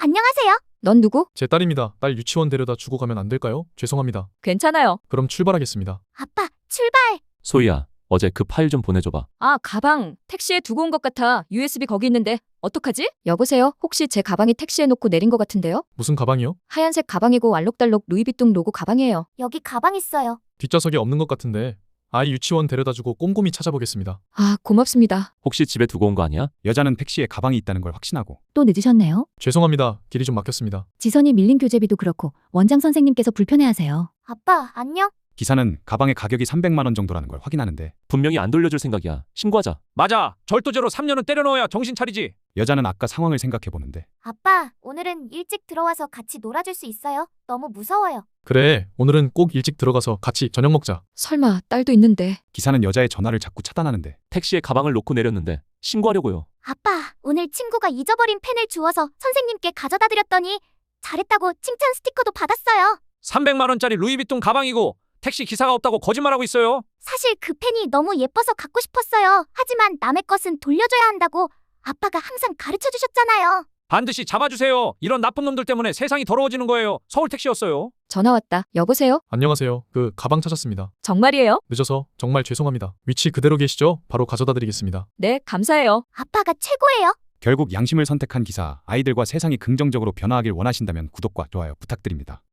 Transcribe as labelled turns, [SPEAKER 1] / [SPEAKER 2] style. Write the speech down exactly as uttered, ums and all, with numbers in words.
[SPEAKER 1] 안녕하세요.
[SPEAKER 2] 넌 누구?
[SPEAKER 3] 제 딸입니다. 딸 유치원 데려다 주고 가면 안 될까요? 죄송합니다.
[SPEAKER 2] 괜찮아요.
[SPEAKER 3] 그럼 출발하겠습니다.
[SPEAKER 1] 아빠, 출발.
[SPEAKER 4] 소희야, 어제 그 파일 좀 보내줘봐.
[SPEAKER 2] 아, 가방. 택시에 두고 온 것 같아. 유에스비 거기 있는데. 어떡하지? 여보세요? 혹시 제 가방이 택시에 놓고 내린 것 같은데요?
[SPEAKER 3] 무슨 가방이요?
[SPEAKER 2] 하얀색 가방이고 알록달록 루이비통 로고 가방이에요.
[SPEAKER 1] 여기 가방 있어요.
[SPEAKER 3] 뒷좌석에 없는 것 같은데 아이 유치원 데려다 주고 꼼꼼히 찾아보겠습니다.
[SPEAKER 2] 아, 고맙습니다.
[SPEAKER 4] 혹시 집에 두고 온 거 아니야?
[SPEAKER 5] 여자는 택시에 가방이 있다는 걸 확신하고
[SPEAKER 6] 또 늦으셨네요.
[SPEAKER 3] 죄송합니다. 길이 좀 막혔습니다.
[SPEAKER 6] 지선이 밀린 교재비도 그렇고 원장 선생님께서 불편해하세요.
[SPEAKER 1] 아빠, 안녕.
[SPEAKER 5] 기사는 가방의 가격이 삼백만 원 정도라는 걸 확인하는데
[SPEAKER 4] 분명히 안 돌려줄 생각이야. 신고하자.
[SPEAKER 7] 맞아. 절도죄로 삼 년은 때려 넣어야 정신 차리지.
[SPEAKER 5] 여자는 아까 상황을 생각해 보는데
[SPEAKER 1] 아빠, 오늘은 일찍 들어와서 같이 놀아줄 수 있어요? 너무 무서워요.
[SPEAKER 3] 그래, 오늘은 꼭 일찍 들어가서 같이 저녁 먹자.
[SPEAKER 2] 설마 딸도 있는데.
[SPEAKER 5] 기사는 여자의 전화를 자꾸 차단하는데
[SPEAKER 4] 택시에 가방을 놓고 내렸는데 신고하려고요.
[SPEAKER 1] 아빠, 오늘 친구가 잊어버린 펜을 주워서 선생님께 가져다 드렸더니 잘했다고 칭찬 스티커도 받았어요.
[SPEAKER 7] 삼백만 원짜리 루이비통 가방이고 택시 기사가 없다고 거짓말하고 있어요.
[SPEAKER 1] 사실 그 펜이 너무 예뻐서 갖고 싶었어요. 하지만 남의 것은 돌려줘야 한다고 아빠가 항상 가르쳐 주셨잖아요.
[SPEAKER 7] 반드시 잡아주세요. 이런 나쁜 놈들 때문에 세상이 더러워지는 거예요. 서울 택시였어요.
[SPEAKER 2] 전화 왔다. 여보세요?
[SPEAKER 3] 안녕하세요. 그 가방 찾았습니다.
[SPEAKER 2] 정말이에요?
[SPEAKER 3] 늦어서 정말 죄송합니다. 위치 그대로 계시죠? 바로 가져다 드리겠습니다.
[SPEAKER 2] 네, 감사해요.
[SPEAKER 1] 아빠가 최고예요.
[SPEAKER 5] 결국 양심을 선택한 기사, 아이들과 세상이 긍정적으로 변화하길 원하신다면 구독과 좋아요 부탁드립니다.